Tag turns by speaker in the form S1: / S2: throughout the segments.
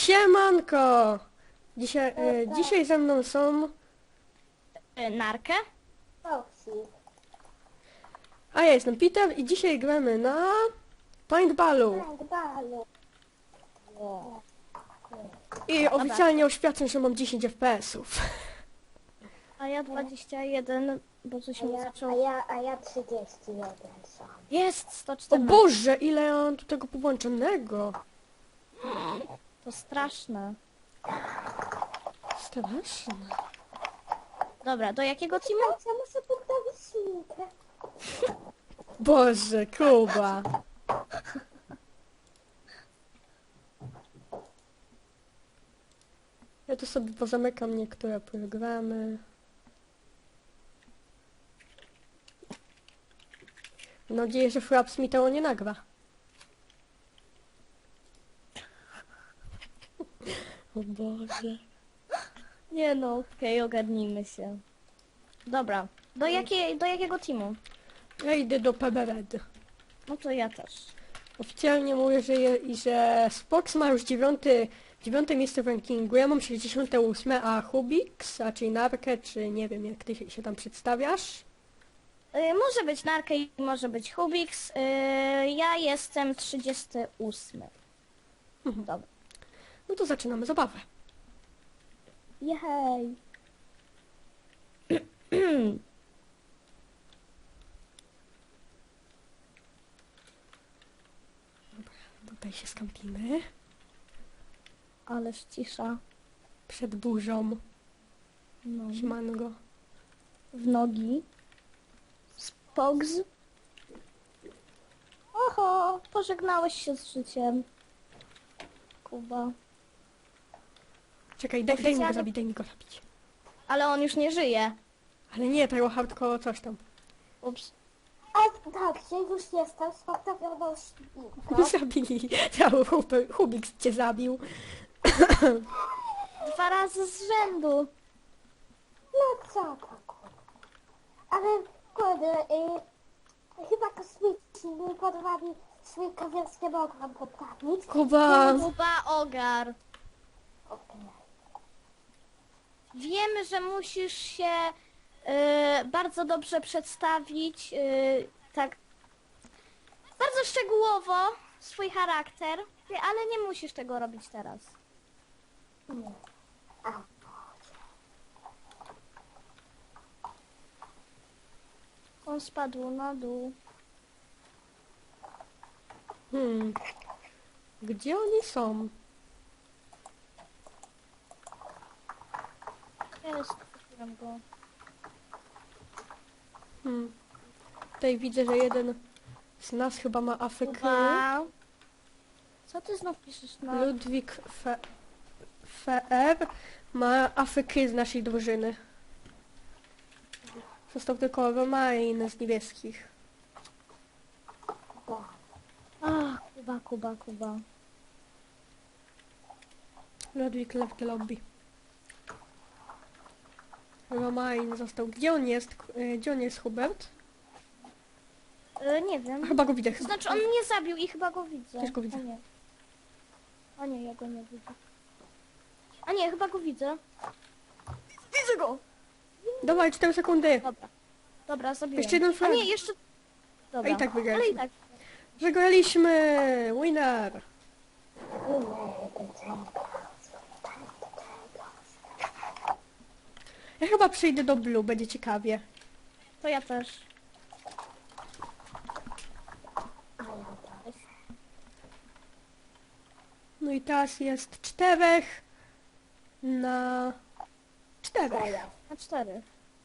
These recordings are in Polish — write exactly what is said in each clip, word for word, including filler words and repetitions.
S1: Siemanko! Dzisiaj, e, dzisiaj ze mną są...
S2: Y, Narkę?
S3: Toksik.
S1: A ja jestem Peter i dzisiaj gramy na... Paintballu.
S3: Paintballu.
S1: I oficjalnie oświadczam, że mam dziesięć F P S ów.
S2: A ja dwadzieścia jeden, bo coś
S3: A
S2: mi
S3: ja, a
S2: zaczął...
S3: ja, a ja trzydzieści jeden sam.
S2: Jest! sto
S1: O
S2: czternaście.
S1: Boże, ile ja mam tu tego połączonego.
S2: To straszne.
S1: Straszne.
S2: Dobra, do jakiego teamu?
S3: Ja muszę poprawić ślinkę.
S1: Boże, Kuba. Ja tu sobie pozamykam niektóre programy. Mam nadzieję, że Fraps mi tego nie nagra. O Boże.
S2: Nie no, okej, ogarnijmy się. Dobra, do, jakiej, do jakiego teamu?
S1: Ja idę do P B R D.
S2: No to ja też.
S1: Oficjalnie mówię, że, je, i że Spox ma już dziewiąty, dziewiąte miejsce w rankingu, ja mam sześćdziesiąte ósme, a Hubix, a czyli Narkę, czy nie wiem jak ty się, się tam przedstawiasz.
S2: Y, może być Narkę i może być Hubix. Y, ja jestem trzydziesty ósmy.
S1: Mhm.
S2: Dobra.
S1: No to zaczynamy zabawę.
S2: Jej.
S1: Tutaj się skampimy.
S2: Ależ cisza.
S1: Przed burzą.
S2: No.
S1: Siemango.
S2: W nogi. Spogs. Oho, pożegnałeś się z życiem. Kuba.
S1: Czekaj, daj, daj mi go
S2: Oficjalnie-
S1: zabić, daj mi go zabić.
S2: Ale on już nie żyje.
S1: Ale nie, tego hardcore coś tam.
S2: Ups.
S3: A tak, że już jestem spoprawioną ślinką.
S1: Zabili. Cały Hub- Hubix cię zabił.
S2: Dwa razy z rzędu.
S3: No co to kurde. Ale kurde, y, chyba kosmici mi porwali ślinkę, więc nie mogłam poprawić.
S1: Kuba.
S2: Kuba ogar.
S3: Okej.
S2: Wiemy, że musisz się y, bardzo dobrze przedstawić, y, tak bardzo szczegółowo swój charakter, ale nie musisz tego robić teraz.
S3: Nie. A,
S2: On spadł na dół.
S1: Hmm. Gdzie oni są?
S2: Jest, kupiłem go.
S1: Hmm. Tutaj widzę, że jeden z nas chyba ma afeky.
S2: Kuba. Co ty znów piszesz na...
S1: Ludwik Fe... Feer ma afeky z naszej drużyny. Został tylko Romain z niebieskich.
S3: tak.
S2: Ach, Kuba, Kuba, Kuba.
S1: Ludwik left the lobby. Romain został. Gdzie on jest? K- e, Gdzie on jest, Hubert?
S2: Y, nie
S1: A
S2: wiem.
S1: chyba go widzę.
S2: To znaczy on mnie zabił i chyba go widzę.
S1: Też go widzę.
S2: A nie. A nie, ja go nie widzę. A nie, chyba go widzę. Widzę go!
S1: Dawaj, cztery sekundy.
S2: Dobra. Dobra, zabiłem.
S1: Jeszcze jeden
S2: A
S1: frag.
S2: nie, jeszcze... Dobra.
S1: A i tak wygraliśmy.
S2: Ale i tak.
S1: Wygraliśmy! Winner! Ja chyba przejdę do Blue, będzie ciekawie.
S2: To ja też.
S1: No i teraz jest czterech na czterech.
S2: Na cztery.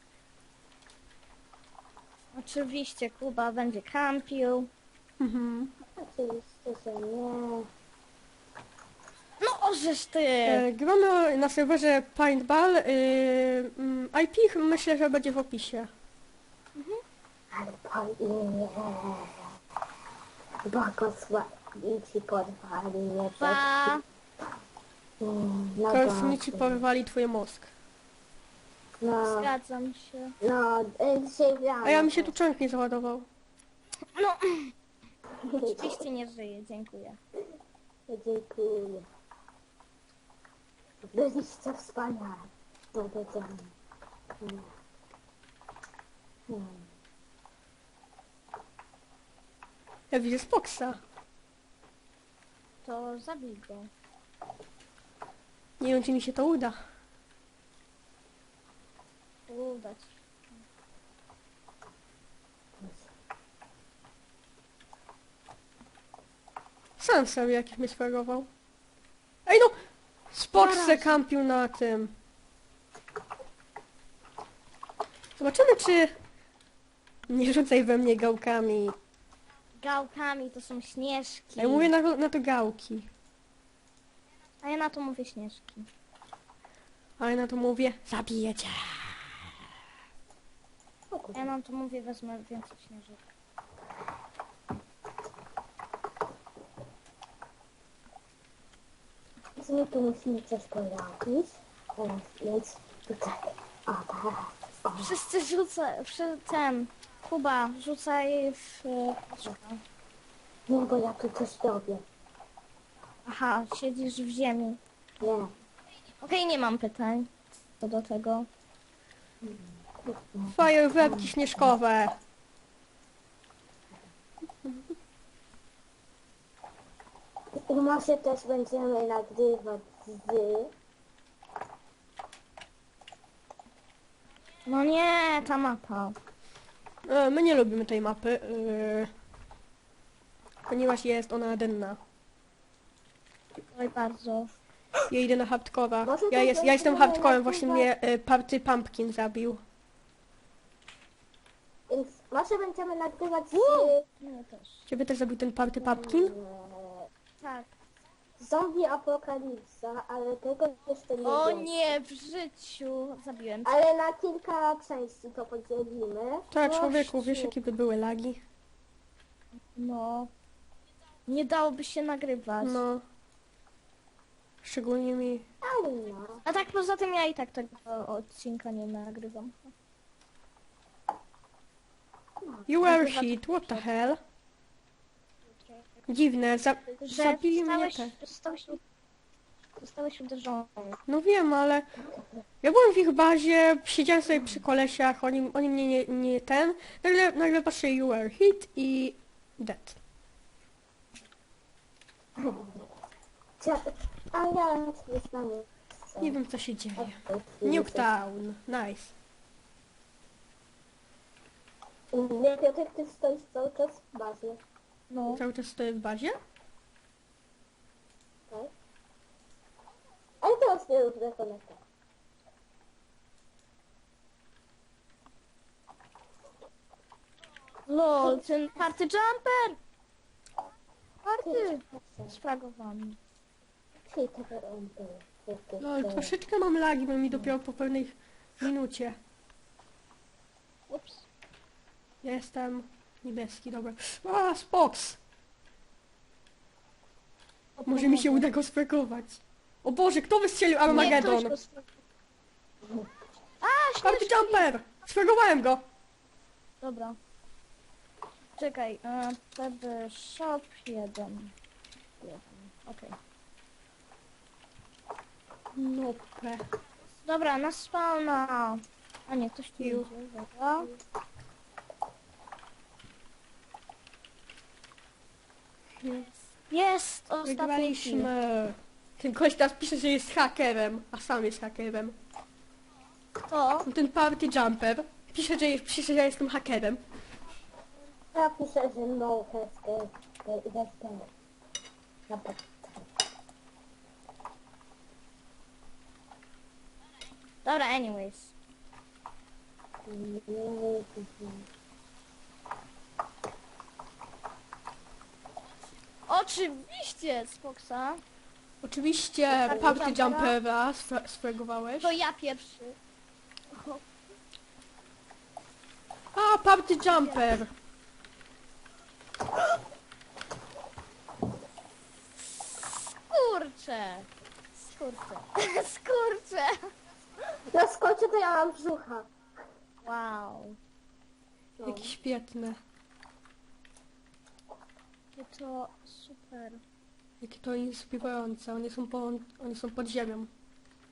S2: Oczywiście Kuba będzie kampił.
S1: Mhm.
S3: Oczywiście, że nie.
S2: No ożeż ty!
S1: E, gramy na serwerze Paintball. Y, mm, I P myślę, że będzie w opisie.
S3: Ale po imię. Błogosławici porwali mnie przez...
S2: Pa!
S3: Mm, No
S1: Kosmici
S3: właśnie.
S1: porwali twój mózg.
S3: No,
S2: Zgadzam się.
S3: no, y, dzisiaj rano.
S1: A ja mi się tu czank nie załadował.
S2: No, oczywiście nie żyje, dziękuję.
S3: Dziękuję. Byliście wspaniale. Powiedziałem. Nie. Nie.
S1: Ja widzę Spoxa.
S2: To zabij go.
S1: Nie wiem, czy mi się to uda.
S2: Udać.
S1: Sam sobie jakiś mnie sferował. Ej no! Spox se
S2: Zaraz.
S1: kampił na tym. Zobaczymy, czy... Nie rzucaj we mnie gałkami.
S2: Gałkami to są śnieżki.
S1: Ja mówię na, na to gałki.
S2: A ja na to mówię śnieżki.
S1: A ja na to mówię, zabiję cię.
S3: O
S2: A
S3: kurde.
S2: ja na to mówię, wezmę więcej śnieżek.
S3: Więc my tu musimy coś pojawić. Teraz więc tutaj. O, tak. O.
S2: Wszyscy rzucaj, przy ten, Kuba, rzucaj w...
S3: Nie, bo ja tu coś robię.
S2: Aha, siedzisz w ziemi.
S3: Nie.
S2: Okej, nie mam pytań co do tego.
S1: Fajerwerki śnieżkowe.
S3: I może też będziemy nagrywać z...
S2: No nie, ta mapa.
S1: E, my nie lubimy tej mapy, e, ponieważ jest ona denna.
S2: Oj, bardzo.
S1: Ja idę na hardcora.
S3: Może
S1: Ja,
S3: to
S1: jest, ja jestem
S3: będziemy
S1: hardcorem, właśnie
S3: nagrywać-
S1: mnie e, Party Pumpkin zabił.
S3: Więc może będziemy nagrywać z...
S2: Nie, też.
S1: Ciebie też zabił ten Party Pumpkin?
S3: e,
S2: Tak.
S3: Zombie apokalipsa, ale tego jeszcze nie
S2: O
S3: wiem.
S2: nie, w życiu zabiłem cię.
S3: Ale na kilka części to podzielimy.
S1: Tak,
S2: Gościu.
S1: człowieku, wiesz jakie by były lagi?
S2: No. Nie dałoby się nagrywać.
S1: No. Szczególnie mi...
S3: Ale no.
S2: A tak poza tym ja i tak tego odcinka nie nagrywam.
S1: You were hit, what the hell? Dziwne, za...
S2: Że
S1: zabili mnie
S2: zostałeś,
S1: te.
S2: zostałeś, zostałeś uderzony.
S1: No wiem, ale... Ja byłem w ich bazie, siedziałem sobie przy kolesiach, oni, oni mnie nie, nie ten... Nagle, nagle patrzę, you were hit i... dead.
S3: Cia- A ja nie znam.
S1: Nie wiem co się dzieje. Nuketown, nice.
S3: Nie, Piotrek, ty stoisz cały czas w bazie.
S2: No.
S1: Cały czas stoję w bazie?
S3: Tak? Ale teraz nie rób rekonekta.
S2: Lol, ten party jumper! Party! Sfragowany.
S3: Czyli to on był.
S1: No, troszeczkę mam lagi, bo mi dopiero po pewnej minucie.
S2: Ups.
S1: Ja jestem niebieski, dobra. A, Spox! Może mi się uda go sfregować. O Boże, kto wystrzelił Armageddon?
S2: Nie, ktoś go sfra- A,
S1: Party
S2: śnieżki!
S1: Jumper! Sfregowałem go!
S2: Dobra. Czekaj, e, wtedy shop jeden. jeden. Okej.
S1: No pe.
S2: Dobra, na spawna. A nie, ktoś tu
S1: Ju.
S2: idzie, dobra. Jest ostatni kill.
S1: Wygraliśmy. Ten koleś teraz pisze, że jest hakerem, a sam jest hakerem.
S2: Kto?
S1: Ten Party Jumper pisze, że, pisze, że ja jestem hakerem.
S3: Ja piszę, że no has has Na pod-
S2: Dobra, anyways. Oczywiście, Spoxa.
S1: Oczywiście
S2: Party
S1: Party
S2: Jumpera?
S1: Jumpera sfre- sfregowałeś.
S2: To ja pierwszy.
S1: A, Party Jumper!
S2: Skurcze. Skurcze. Skurcze.
S3: Na skocie to ja mam brzucha.
S2: Wow.
S3: No.
S1: Jakie świetne.
S2: Jakie to super.
S1: Jakie to inspirujące. One są, po, one są pod ziemią.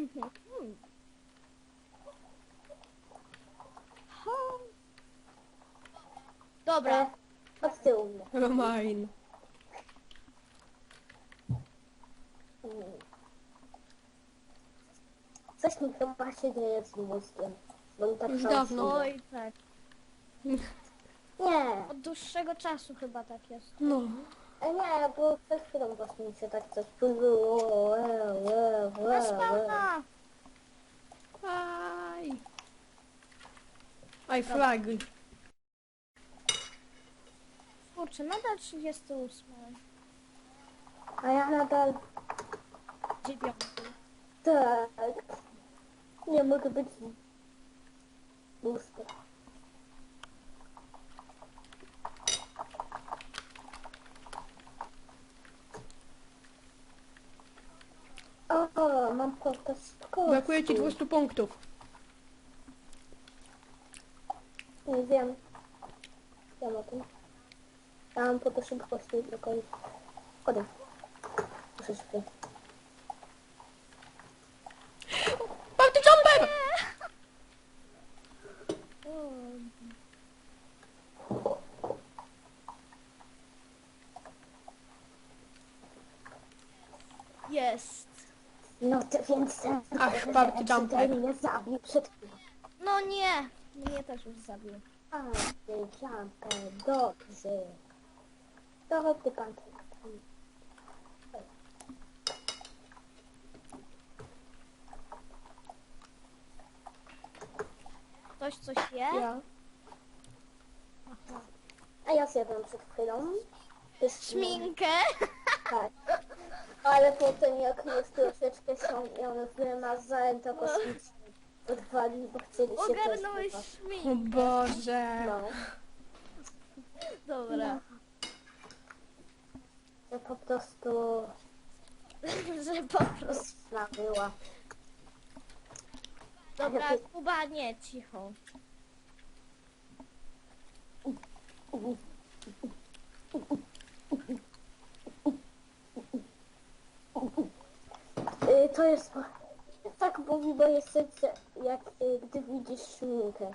S2: Dobra,
S3: E, od tyłu mnie.
S1: Romain.
S3: Mm. Coś mi chyba się dzieje z mózgiem. Bo mi tak
S1: Już
S3: samo
S1: dawno.
S3: się-
S2: oj tak.
S3: Nie,
S2: Od dłuższego czasu chyba tak jest.
S1: No.
S3: e, nie, bo przed chwilą właśnie mi się tak coś było.
S2: Na spawna!
S1: Aj. Aj, flagi.
S2: Kurczę, nadal trzydziesty ósmy.
S3: A ja nadal
S2: dziewiąty.
S3: tak. Nie mogę być booster. O, mam portę z
S1: Brakuje ci dwieście punktów.
S3: Nie wiem. Wiem o tym. Ja mam po to szybkości tylko i... Chodź. Muszę szybko.
S1: Party jumper!
S2: Jest.
S3: No to więc...
S1: Ach, party jumper.
S3: mnie zabił przed chwilą.
S2: No nie. Mnie też już zabił.
S3: Party jumper, dobrze. To chodź ty pan.
S2: Ktoś coś je?
S1: Ja.
S3: A ja zjadłem przed chwilą. Pyszny.
S2: Szminkę?
S3: Tak. Ale potem jak już troszeczkę się ją wymazałem, to kosmicznie odwali, bo chcieli się
S2: Ogarnąłeś
S3: też
S1: O
S2: szminkę.
S1: Boże.
S3: No.
S2: Dobra.
S3: Że po prostu
S2: Że po prostu.
S3: pyszna była.
S2: Dobra, Kuba, nie, cicho.
S3: Y, to jest... Tak mówi moje serce, jak y, gdy widzisz szminkę.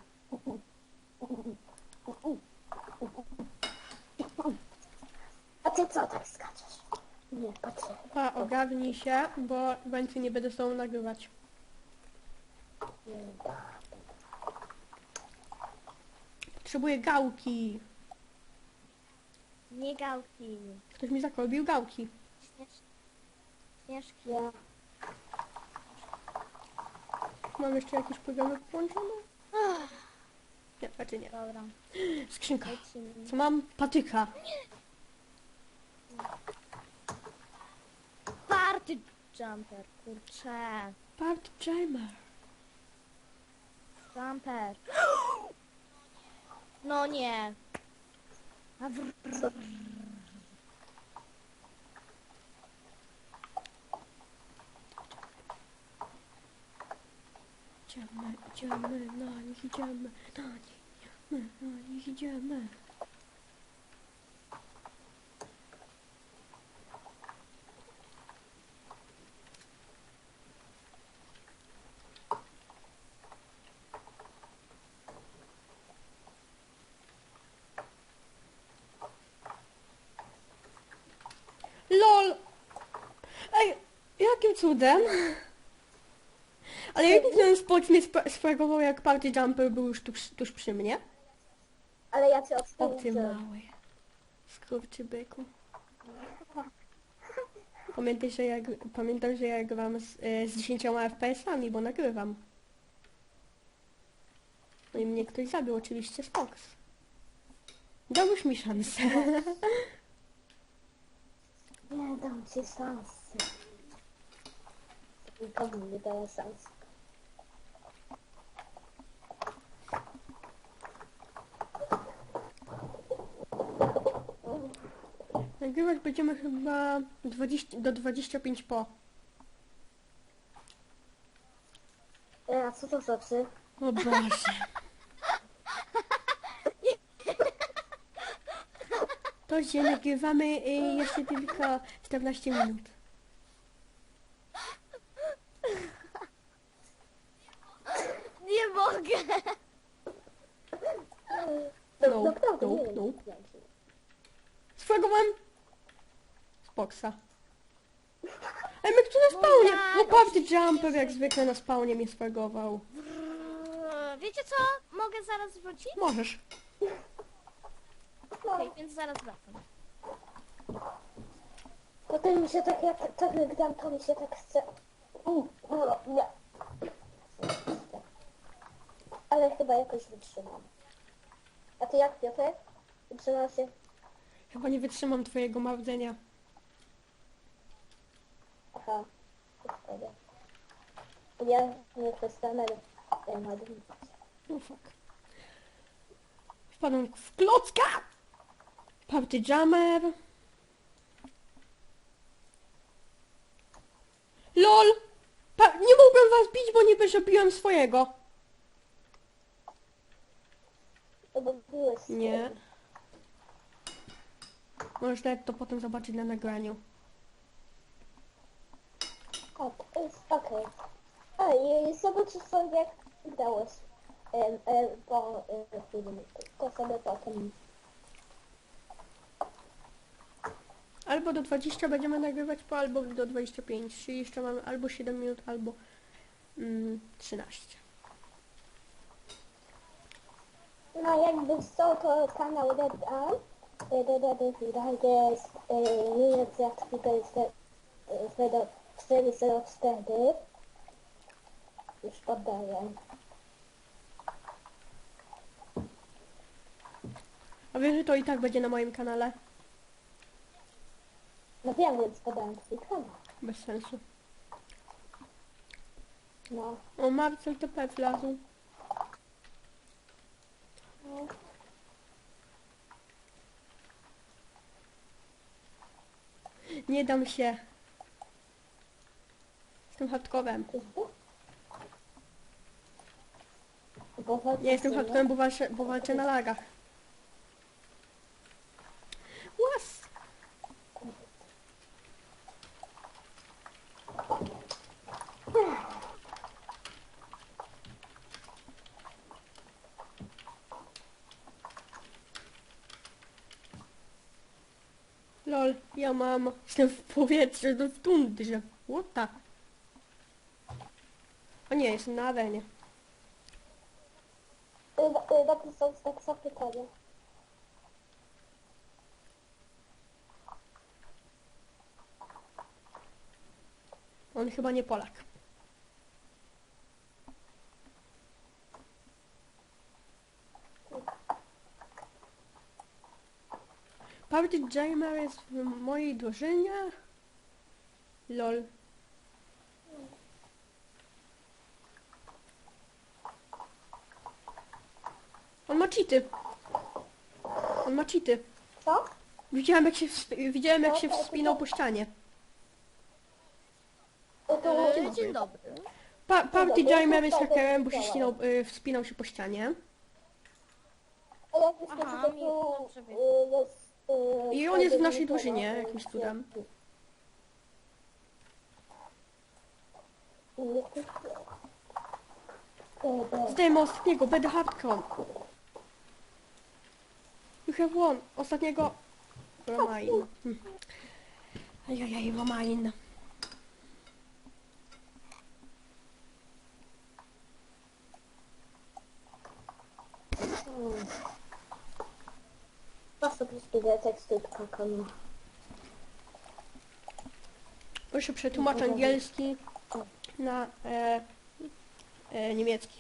S3: A ty co tak skaczesz? Nie, patrzę.
S1: Pa, ogarnij się, bo więcej nie będę z tobą nagrywać. Potrzebuję gałki.
S2: Nie gałki.
S1: Ktoś mi zakolbił gałki.
S2: Śnież... Śnieżki.
S3: Ja.
S1: Mam jeszcze jakieś programy połączone? Nie, raczej nie.
S2: Dobra,
S1: Skrzynka.
S2: lecimy.
S1: Co mam? Patyka.
S2: Party jumper, kurczę.
S1: Party Jammer.
S2: Jumper. No nie. A wr...
S1: Idziemy, idziemy, na nich idziemy, na nich idziemy, na nich idziemy. LOL! Ej, jakim cudem? Ale jak ten spot mnie sp- sfragował, jak Party Jumper był już tuż, tuż przy mnie?
S3: Ale ja cię
S1: O ty
S3: odpuszczę.
S1: mały. Skurczybyku. Pamiętaj, że ja, gr- pamiętam, że ja gram z, e, z dziesięcioma F P S-ami, bo nagrywam. No i mnie ktoś zabił, oczywiście Spox. Dałbyś mi szansę.
S3: Nie dam ci szansy. Nikomu nie daję szansy.
S1: Nagrywać będziemy chyba dwadzieścia, do dwudziestu pięciu po.
S3: E, a co to znaczy?
S1: O Boże. To się nagrywamy y, jeszcze tylko czternaście minut.
S3: dzięki.
S1: Swego mam... Spoksa. Ej, my tu na spawnie!
S2: tak,
S1: No Party
S2: oczywiście,
S1: Jumper
S2: że-
S1: jak zwykle na spawnie mnie swagował.
S2: Eee, Wiecie co? Mogę zaraz wrócić?
S1: Możesz.
S2: Okej, więc zaraz wracam.
S3: Potem mi się tak jak tak gram, to mi się tak chce. U, no, nie. Ale chyba jakoś wytrzymam. A ty jak, Piotr? Wytrzymasz się?
S1: Chyba nie wytrzymam twojego marudzenia.
S3: Aha, to szkoda. Ja nie przestanę e, marnować.
S1: No fuck. Wpadłem w klocka! Party Jammer. LOL! Pa nie mogłem was bić, bo nie zrobiłem swojego.
S3: To bo byłeś
S1: Nie. Możesz nawet to potem zobaczyć na nagraniu.
S3: O, to jest okej. A i zobaczysz sobie jak grałeś e, e, po e, filmie. To sobie potem.
S1: Albo do dwudziestu będziemy nagrywać po, albo do dwudziestu pięciu. Czyli jeszcze mamy albo siedem minut, albo mm, trzynaście.
S3: No jakby co to kanał Red Arm. Red Arm jest e, nie jest jak tutaj zero cztery zero cztery. Już poddaję.
S1: A wiesz, że to i tak będzie na moim kanale?
S3: No wiem, więc podałem twój kanał.
S1: Bez sensu.
S3: No.
S1: O, Marcel T P wlazł.
S3: No.
S1: Nie dam się. Jestem hardcorem.
S3: Bo
S1: Nie jestem hardcorem, bo walczę, bo walczę na lagach. Łas! Lol, ja mam... Jestem w powietrzu, no w tundrze. What the... O nie, jestem na arenie.
S3: Napisał tak zapytanie.
S1: On chyba nie Polak. Party Jammer jest w mojej drużynie. Lol. On ma cheaty. On ma cheaty.
S3: Co?
S1: Widziałem jak się, wsp- widziałem jak się wspinał po ścianie.
S3: To to
S2: Eee, Dzień dobry.
S1: Pa Party
S3: Dobra,
S1: Jammer
S3: to
S1: jest
S3: wtedy
S1: hakerem, bo się
S3: widziałam.
S1: ścinał, y, wspinał się po ścianie.
S3: A jak już
S2: Aha,
S3: to
S2: mi-
S3: tu
S2: dobrze wiem.
S3: y, jest... y,
S1: I on jest w naszej
S3: wtedy
S1: drużynie,
S3: nie
S1: jakimś
S3: ma,
S1: cudem.
S3: y, y, y, y,
S1: Zdajemy ostatniego, będę hardcore. You have won. Ostatniego... Romain. Hm. Ajajaj, Romain.
S3: Hmm. Po sobie spiszę teksty kakanu.
S1: Proszę przetłumacz angielski na e, e, niemiecki.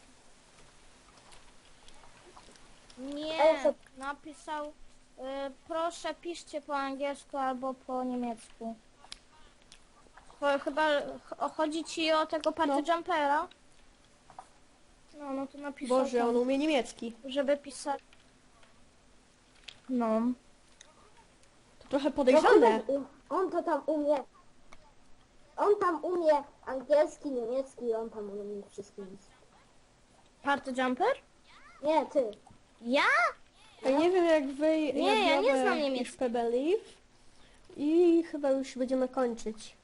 S2: Nie,
S3: Ale co-
S2: napisał, y, proszę piszcie po angielsku albo po niemiecku. Cho- Chyba ch- chodzi ci o tego party
S1: No.
S2: jumpera? No, no to napisał
S1: Boże,
S2: tam,
S1: on umie niemiecki.
S2: żeby pisać. No.
S1: To trochę
S3: No,
S1: podejrzane.
S3: on, on to tam umie. On tam umie angielski, niemiecki, on tam umie wszystkie języki.
S2: Party jumper?
S3: Nie, ty.
S2: Ja?
S1: Ja nie wiem jak wy...
S2: Nie, ja nie
S1: biorę
S2: znam
S1: już
S2: niemiecki.
S1: P Believe. I chyba już będziemy kończyć.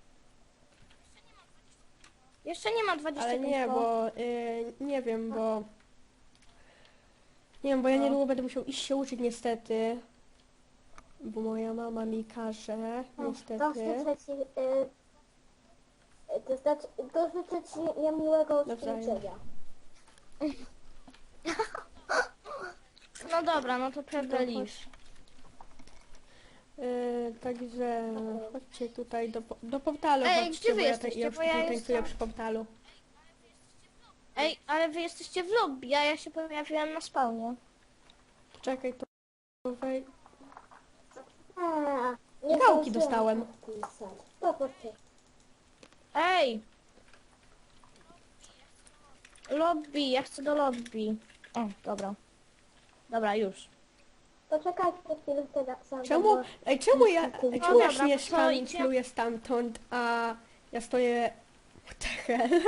S2: Jeszcze nie ma dwudziestu
S1: Ale nie,
S2: koło.
S1: bo... Y, nie wiem, bo... Nie wiem, bo ja
S2: No.
S1: niedługo będę musiał iść się uczyć niestety. bo moja mama mi każe,
S3: To
S1: niestety.
S3: życzę ci, y, y, to znaczy, to życzę ci niemiłego
S1: Nawzajem.
S3: skończenia.
S2: No dobra, no to prawda
S1: No,
S2: lisz.
S1: Yy, także chodźcie tutaj do, po- do portalu,
S2: Ej,
S1: chodźcie,
S2: gdzie wy
S1: bo ja,
S2: jesteście?
S1: ja
S2: Bo ja
S1: tutaj tańcuję
S2: jestem-
S1: przy portalu.
S2: Ej, ale wy jesteście w lobby, a ja się pojawiłam na spawnie.
S1: Czekaj, to wej...
S3: A, nie
S1: Gałki
S3: zdążyłam
S1: dostałem.
S3: podpisać. Popatrzcie.
S2: Ej! Lobby, ja chcę do lobby. O, dobra. Dobra, już.
S3: Poczekajcie chwilę teraz. sam,
S1: Czemu,
S3: bo-
S1: ej, czemu ja, ej,
S3: No
S1: czemu ja
S2: dobra,
S1: się
S2: to co,
S1: tam
S2: idzie?
S1: pluję stamtąd, a ja stoję... What the hell?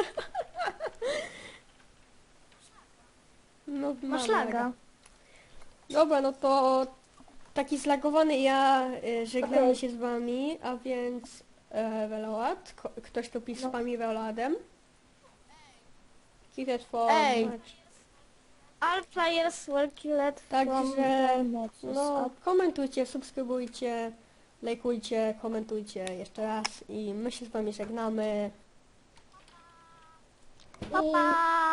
S1: No,
S2: Masz
S1: mam
S2: laga.
S1: Dobra, no to taki zlagowany ja y, żegnam
S3: Okej.
S1: się z wami, a więc e, Veload, ko- ktoś tu pisze z wami Veloadem. Keep it for
S2: Ej.
S1: much.
S2: All players were killed from
S1: Także,
S2: the matches.
S1: no, komentujcie, subskrybujcie, lajkujcie, komentujcie jeszcze raz i my się z wami żegnamy.
S2: Pa, pa!